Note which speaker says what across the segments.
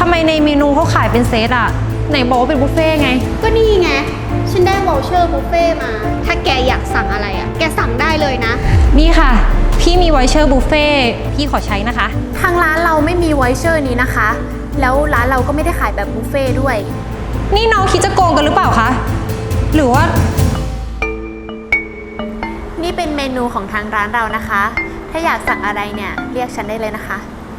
Speaker 1: ไมในเมนูเขาขายเป็นเซตอะไหนบอกว่าเป็นบุฟเฟ่ไง
Speaker 2: ก็นี่ไงฉันได้วอลเชอร์บุฟเฟ่มาถ้าแกอยากสั่งอะไรอ่ะแกสั่งได้เลยนะ
Speaker 1: นี่ค่ะพี่มีไวเชอร์บุฟเฟ่พี่ขอใช้นะคะ
Speaker 3: ทางร้านเราไม่มีไวเชอร์นี้นะคะแล้วร้านเราก็ไม่ได้ขายแบบบุฟเฟ่ด้วย
Speaker 1: นี่น้องคิดจะโกงกันหรือเปล่าคะหรือว่า
Speaker 3: นี่เป็นเมนูของทางร้านเรานะคะถ้าอยากสั่งอะไรเนี่ยเรียกฉันได้เลยนะคะ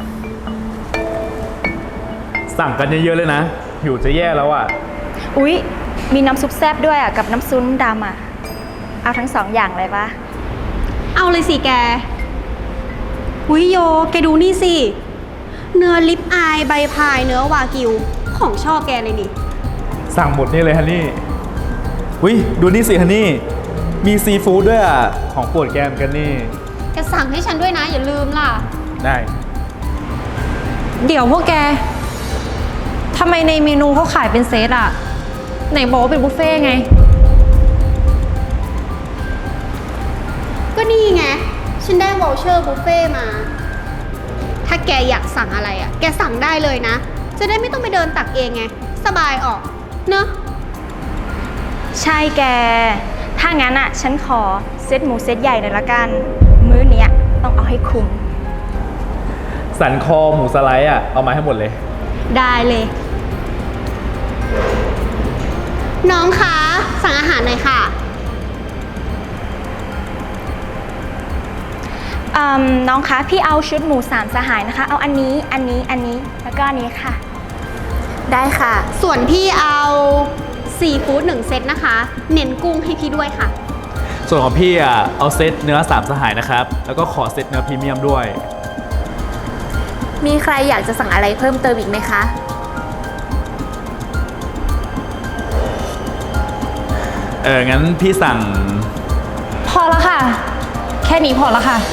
Speaker 4: สั่งกันเยอะๆเลยนะหิวจะแย่แล้วอ่ะ
Speaker 5: อุ๊ยมีน้ำซุปแซ่บด้วยอ่ะกับน้ำซุปดำอ่ะเอาทั้ง2อย่างเลยปะ
Speaker 2: เอาเลยสิแกหุยโยแกดูนี่สิเนื้อลิปอายใบพายเนื้อวากิวของชอบแกเลยนี่
Speaker 4: สั่งหมดนี่เลยฮันนี่อุ้ยดูนี่สิฮันนี่มีซีฟู้ดด้วยอ่ะของโปรดแกมกันนี่
Speaker 2: แกสั่งให้ฉันด้วยนะอย่าลืมล่ะ
Speaker 4: ได้
Speaker 1: เดี๋ยวพวกแกทำไมในเมนูเขาขายเป็นเซตอะไหนบอกว่าเป็นบุฟเฟ่ไง
Speaker 2: ก็นี่ไงฉันได้วอลเชอร์บุฟเฟ่มาถ้าแกอยากสั่งอะไรอ่ะแกสั่งได้เลยนะจะได้ไม่ต้องไปเดินตักเองไงสบายออกเนอะ
Speaker 5: ใช่แกถ้างั้นอ่ะฉันขอเซตหมูเซตใหญ่หน่อยละกันมื้อเนี้ยต้องเอาให้คุ้ม
Speaker 4: สันคอหมูสไลด์อ่ะเอามาให้หมดเลย
Speaker 2: ได้เลยน้องคะสั่งอาหารหน่อยค่ะ
Speaker 5: น้องคะพี่เอาชุดหมู3 สหายนะคะเอาอันนี้แล้วก็อันนี้ค่ะ
Speaker 3: ได้ค่ะ
Speaker 2: ส่วนพี่เอาซีฟู้ด1 เซตนะคะเน้นกุ้งให้พี่ด้วยค่ะ
Speaker 4: ส่วนของพี่อ่ะเอาเซตเนื้อ3 สหายนะครับแล้วก็ขอเซตเนื้อพรีเมียมด้วย
Speaker 3: มีใครอยากจะสั่งอะไรเพิ่มเติมอีกไหมคะ
Speaker 4: งั้นพี่สั่ง
Speaker 1: พอแล้วค่ะแค่นี้พอแล้วค่ะ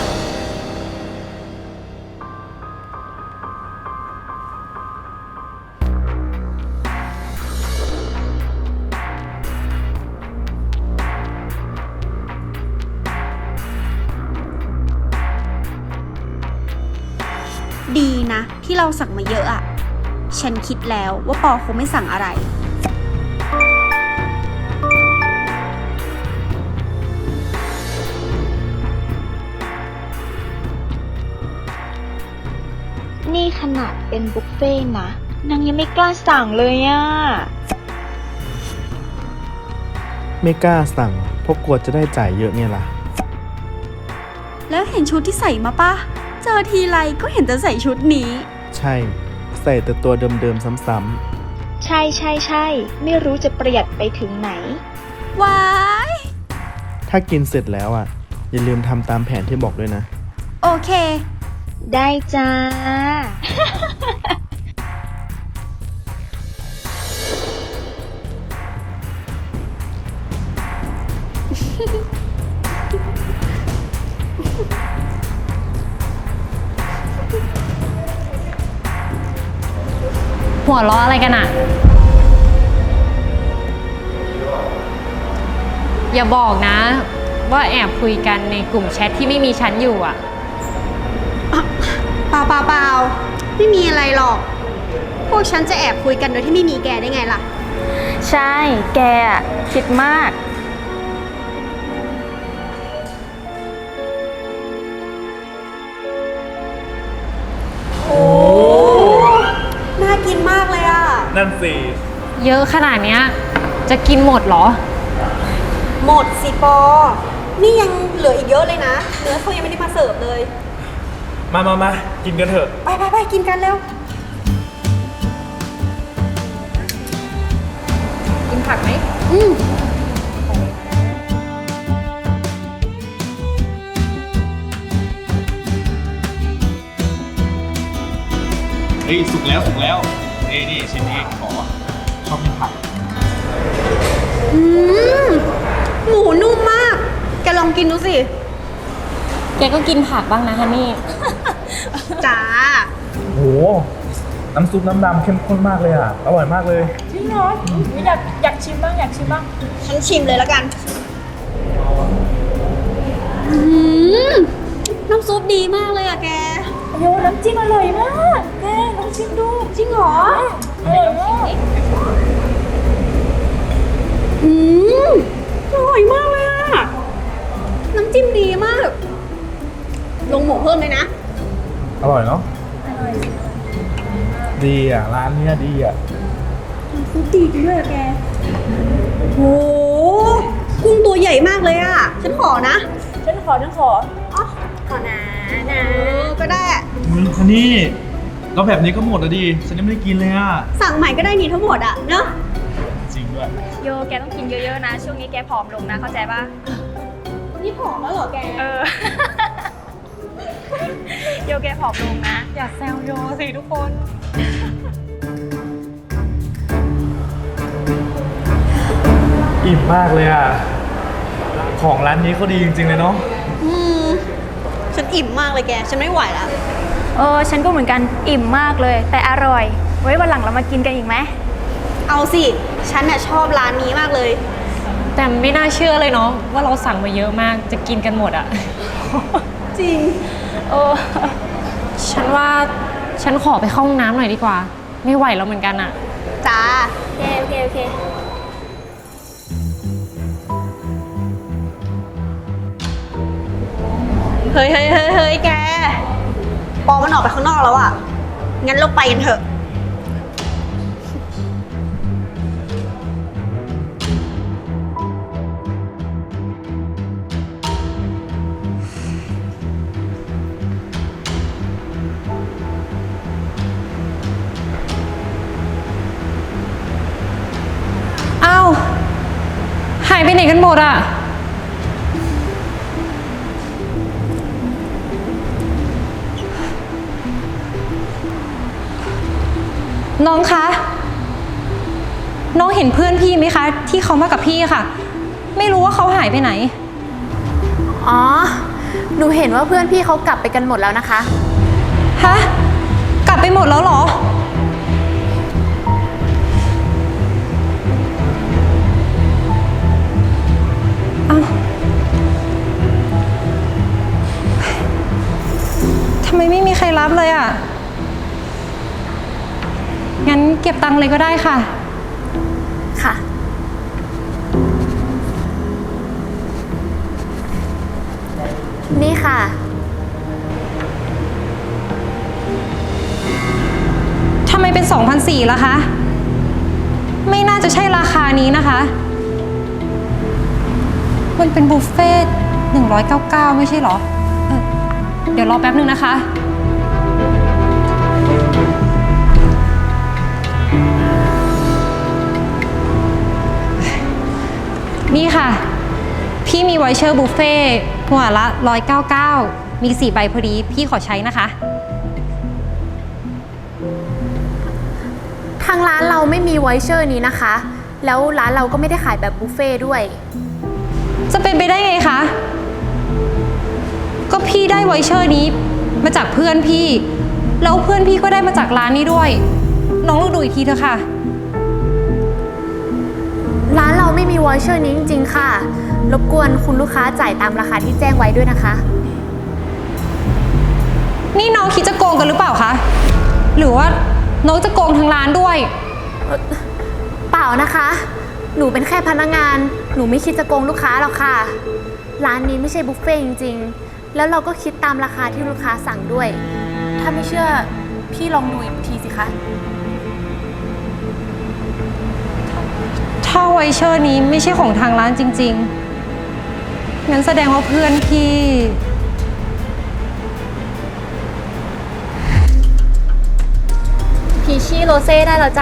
Speaker 2: ดีนะที่เราสั่งมาเยอะอ่ะฉันคิดแล้วว่าปอคงไม่สั่งอะไร
Speaker 5: นี่ขนาดเป็นบุฟเฟ่นะนางยังไม่กล้าสั่งเลยอ่ะ
Speaker 6: ไม่กล้าสั่งเพราะกลัวจะได้จ่ายเยอะเนี่ยล่ะ
Speaker 2: แล้วเห็นชุดที่ใส่มาปะเจอทีไรก็เห็นแต่ใส่ชุดนี้
Speaker 6: ใช่ใส่แต่ตัวเดิมๆซ้ำ
Speaker 5: ๆใช่ไม่รู้จะประหยัดไปถึงไหน
Speaker 2: ว้าย
Speaker 6: ถ้ากินเสร็จแล้วอ่ะอย่าลืมทำตามแผนที่บอกด้วยนะ
Speaker 2: โอเค
Speaker 5: ได้จ้า
Speaker 1: หัวล้ออะไรกันอะอย่าบอกนะว่าแอบคุยกันในกลุ่มแชทที่ไม่มีฉันอยู่อะ
Speaker 2: เปล่าไม่มีอะไรหรอกพวกฉันจะแอบคุยกันโดยที่ไม่มีแกได้ไงล่ะ
Speaker 5: ใช่แกคิดมาก
Speaker 2: โอ้น่ากินมากเลยอ่ะ
Speaker 4: นั่นสิ
Speaker 1: เยอะขนาดเนี้ยจะกินหมดเหรอ
Speaker 2: หมดสิปอนี่ยังเหลืออีกเยอะเลยนะเนื้อเขายังไม่ได้มาเสิร์ฟเลย
Speaker 4: มากินกันเถอะ
Speaker 2: ไปกินกันเร็ว
Speaker 1: กินผักไหม
Speaker 4: เฮ้ยสุกแล้วนี่ชิ้นนี้ขอชอบกินผัก
Speaker 2: หมูนุ่มมากแกลองกินดูสิ
Speaker 1: แกก็กินผักบ้างนะฮันนี่
Speaker 2: จ้า
Speaker 4: โหน้ำซุปน้ำดำเข้มข้นมากเลยอ่ะอร่อยมากเลย
Speaker 5: จริงเหรออยากชิมบ้าง
Speaker 2: ฉันชิมเลยแล้วกันน้ำซุปดีมากเลยอะแก
Speaker 5: โยน้ำจิ้มอร่อยมากแกลองชิมดู จริงเหรอ
Speaker 2: อืมอร่อยมากเลยอะน้ำจิ้มดีมาก ลงหมูเพิ่มเลยนะ
Speaker 4: อร่อยเนาะดีอ่ะ ร้านเนี้ยดีอ่ะ
Speaker 2: ฟุตดีจริงด้วยอะแกโหกุ้งตัวใหญ่มากเลยอะฉันขอนะ
Speaker 5: ฉันขอ
Speaker 2: อ๋อ
Speaker 3: ขอนะนะ
Speaker 2: ก็ได้
Speaker 4: ฮันนี่แล้วแบบนี้ก็หมดแล้วดิ ฉันยังไม่ได้กินเลยอ่ะ
Speaker 2: สั่งใหม่ก็ได้นี่ทั้งหมดอะเนอะ
Speaker 4: จริงด้วย
Speaker 5: โยแกต้องกินเยอะๆนะ ช่วงนี้แกผอมลงนะ เข้าใจปะ
Speaker 2: นี่ผอมแล้วเหรอแก
Speaker 5: เออ โยแกผอมลงนะ อย่าแซวโยสิทุกคน
Speaker 4: อิ่มมากเลยอ่ะ ของร้านนี้เขาดีจริงๆเลยเนาะ
Speaker 2: อืมฉันอิ่มมากเลยแก ฉันไม่ไหวแล้ว
Speaker 5: ฉันก็เหมือนกันอิ่มมากเลย แต่อร่อย ไว้วันหลังเรามากินกันอีกไหม
Speaker 2: เอาสิ ฉันน่ะชอบร้านนี้มากเลย
Speaker 1: แต่ไม่น่าเชื่อเลยเนาะว่าเราสั่งมาเยอะมากจะกินกันหมดอะ
Speaker 2: จริง
Speaker 1: ฉันว่าฉันขอไปเข้าห้องน้ำหน่อยดีกว่า ไม่ไหวแล้วเหมือนกันอะ
Speaker 2: จ้า
Speaker 3: โอเค
Speaker 2: เฮ้ยแก ปอมันออกไปข้างนอกแล้วอะงั้นเราไปกันเถอะ
Speaker 1: อ้าวหายไปไหนกันหมดอะน้องคะ น้องเห็นเพื่อนพี่ไหมคะ ที่เขามากับพี่ค่ะ ไม่รู้ว่าเขาหายไปไหน
Speaker 3: อ๋อ หนูเห็นว่าเพื่อนพี่เขากลับไปกันหมดแล้วนะคะ
Speaker 1: ฮะ กลับไปหมดแล้วเหรอ อ้าวทำไมไม่มีใครรับเลยอ่ะ งั้นเก็บตังค์เลยก็ได้ค่ะ
Speaker 3: ค่ะ นี่ค่ะ
Speaker 1: ทำไมเป็น 2,400 ล่ะคะ ไม่น่าจะใช่ราคานี้นะคะ มันเป็นบุฟเฟ่ต์199 ไม่ใช่เหรอ เดี๋ยวรอแป๊บนึงนะคะ นี่ค่ะ พี่มีไวเชอร์บุฟเฟ่ต์หัวละ199 มี 4 ใบพอดี พี่ขอใช้นะคะ
Speaker 3: ทางร้านเราไม่มีไวเชอร์นี้นะคะ แล้วร้านเราก็ไม่ได้ขายแบบบุฟเฟ่ต์ด้วย
Speaker 1: จะเป็นไปได้ไงคะ ก็พี่ได้ไวเชอร์นี้มาจากเพื่อนพี่ แล้วเพื่อนพี่ก็ได้มาจากร้านนี้ด้วย น้องลองดูอีกทีเถอะค่ะ
Speaker 3: ร้านเราไม่มีไวเชอร์นี้จริงๆค่ะ รบกวนคุณลูกค้าจ่ายตามราคาที่แจ้งไว้ด้วยนะคะ
Speaker 1: นี่น้องคิดจะโกงกันหรือเปล่าคะ หรือว่าน้องจะโกงทางร้านด้วย
Speaker 3: เปล่านะคะ หนูเป็นแค่พนักงาน หนูไม่คิดจะโกงลูกค้าหรอกค่ะ ร้านนี้ไม่ใช่บุฟเฟ่ต์จริงๆ แล้วเราก็คิดตามราคาที่ลูกค้าสั่งด้วย ถ้าไม่เชื่อพี่ลองดูอีกทีสิคะ
Speaker 1: ถ้าไวเชอร์นี้ไม่ใช่ของทางร้านจริงๆ งั้นแสดงว่าเพื่อนพี่
Speaker 5: พีชี่โรเซ่ได้แล้วจ้ะ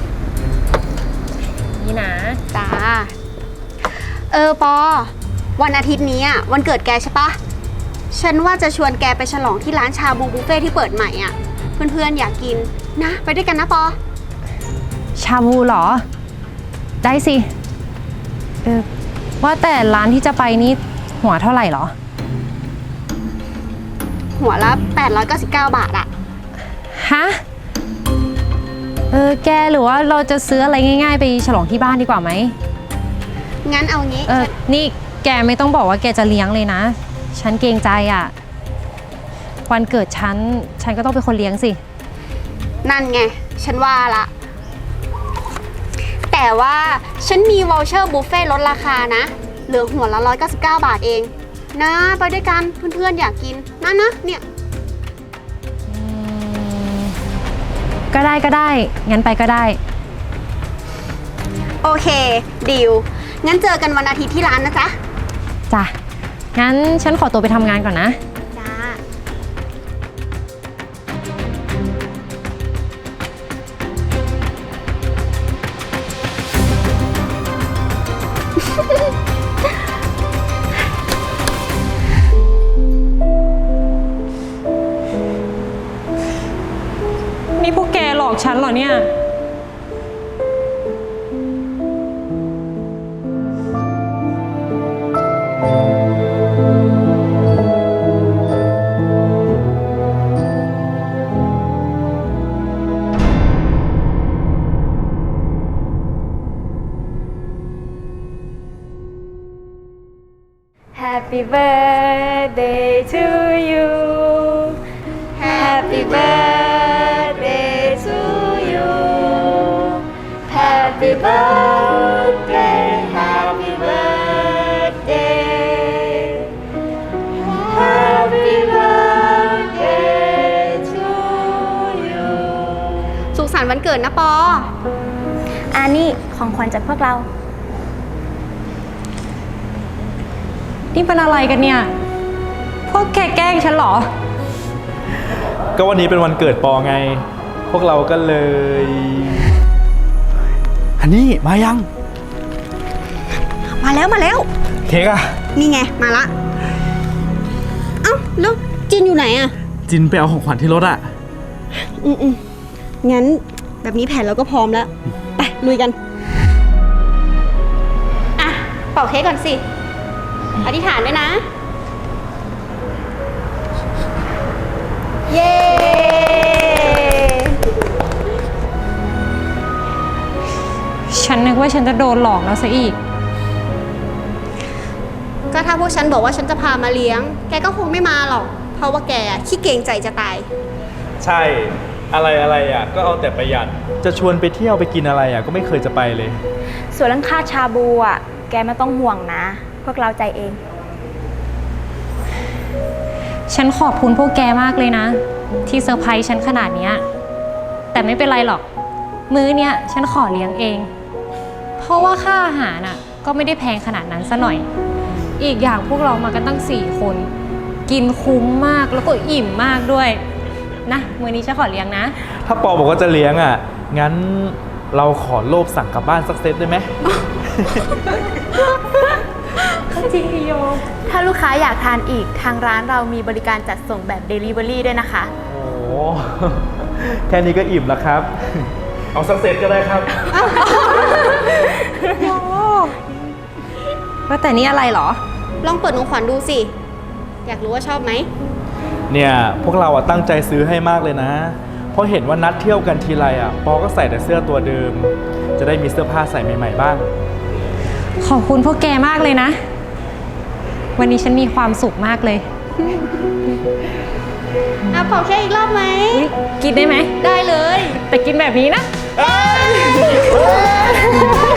Speaker 5: นี่นะ
Speaker 2: จ้า ปอ วันอาทิตย์นี้อะวันเกิดแกใช่ปะ ฉันว่าจะชวนแกไปฉลองที่ร้านชาบูบุฟเฟ่ที่เปิดใหม่อ่ะ เพื่อนๆอยากกินนะ ไปด้วยกันนะปอ
Speaker 1: ชาบูเหรอ ได้สิ ว่าแต่ร้านที่จะไปนี่หัวเท่าไหร่เหรอ
Speaker 2: หัวละ899 บาทอะ
Speaker 1: ฮะ แกหรือว่าเราจะซื้ออะไรง่ายๆ ไปฉลองที่บ้านดีกว่าไหม
Speaker 2: งั้นเอางี้
Speaker 1: นี่แกไม่ต้องบอกว่าแกจะเลี้ยงเลยนะ ฉันเกรงใจอ่ะ วันเกิดฉันก็ต้องเป็นคนเลี้ยงสิ
Speaker 2: นั่นไง ฉันว่าละ แต่ว่าฉันมีวอลเชอร์บุฟเฟ่ต์ลดราคานะ เหลือหัวละ199 บาทเอง นะ ไปด้วยกันเพื่อนๆอยากกินนะเนี่ย
Speaker 1: ก็ได้ก็ได้ งั้นไปก็ได้
Speaker 2: โอเคดีลงั้นเจอกันวันอาทิตย์ที่ร้านนะจ๊ะ
Speaker 1: จ้ะ งั้นฉันขอตัวไปทำงานก่อนนะ
Speaker 2: จ้า
Speaker 1: นี่พวกแกหลอกฉันเหรอเนี่ย
Speaker 5: Happy birthday to you Happy birthday to you Happy birthday Happy birthday Happy birthday to you
Speaker 2: สุขสันต์วันเกิดนะปอ
Speaker 5: อันนี้ของขวัญจากพวกเรา
Speaker 1: นี่เป็นอะไรกันเนี่ย พวกแกแกล้งฉันเหรอ
Speaker 4: ก็วันนี้เป็นวันเกิดปอไง พวกเราก็เลย ฮันนี่มายัง
Speaker 2: มาแล้ว
Speaker 4: เค้กอะ
Speaker 2: นี่ไง มาละ เอ้าแล้วจินอยู่ไหนอะ
Speaker 4: จินไปเอาของขวัญที่รถอะ
Speaker 2: งั้นแบบนี้แผนเราก็พร้อมแล้ว ไป ลุยกัน อ่ะ เป่าเค้กก่อนสิ อธิษฐานด้วยนะ เย้
Speaker 1: ฉันนึกว่าฉันจะโดนหลอกแล้วซะอีก
Speaker 2: ก็ถ้าพวกฉันบอกว่าฉันจะพามาเลี้ยง แกก็คงไม่มาหรอก เพราะว่าแกขี้เกรงใจจะตาย
Speaker 4: ใช่ อะไรอะก็เอาแต่ประหยัด จะชวนไปเที่ยวไปกินอะไรอะก็ไม่เคยจะไปเลย
Speaker 5: ส่วนเรื่องค่าชาบูอ่ะ แกไม่ต้องห่วงนะ พวกเราใจเอง
Speaker 1: ฉันขอบคุณพวกแกมากเลยนะ ที่เซอร์ไพรส์ฉันขนาดเนี้ยแต่ไม่เป็นไรหรอก มื้อเนี้ยฉันขอเลี้ยงเอง เพราะว่าค่าอาหารน่ะก็ไม่ได้แพงขนาดนั้นซะหน่อย อีกอย่างพวกเรามากันตั้ง4 คน กินคุ้มมากแล้วก็อิ่มมากด้วยนะมื้อนี้ฉันขอเลี้ยงนะ
Speaker 4: ถ้าปอบอกว่าจะเลี้ยงอะงั้นเราขอโลภสั่งกลับบ้านสักเซตได้ไหม
Speaker 1: จริงพี่โย
Speaker 3: ถ้าลูกค้าอยากทานอีกทางร้านเรามีบริการจัดส่งแบบ Delivery ด้วยนะคะ
Speaker 4: โอ้โห แค่นี้ก็อิ่มแล้วครับ เอาสักเซตก็ได้ครับ
Speaker 1: ว่าแต่นี่อะไรเหรอ
Speaker 2: ลองเปิดของขวัญดูสิ อยากรู้ว่าชอบไหม
Speaker 4: เนี่ยพวกเราอะตั้งใจซื้อให้มากเลยนะ เพราะเห็นว่านัดเที่ยวกันทีไรอะปอก็ใส่แต่เสื้อตัวเดิม จะได้มีเสื้อผ้าใส่ใหม่ๆบ้าง
Speaker 1: ขอบคุณพวกแกมากเลยนะ วันนี้ฉันมีความสุขมากเลย
Speaker 2: อ่ะเป่าเค้กอีกรอบไหม
Speaker 1: อุ๊ยกินได้ไหม
Speaker 2: ได้เลย
Speaker 1: แต่กินแบบนี้นะ
Speaker 4: เอ้ย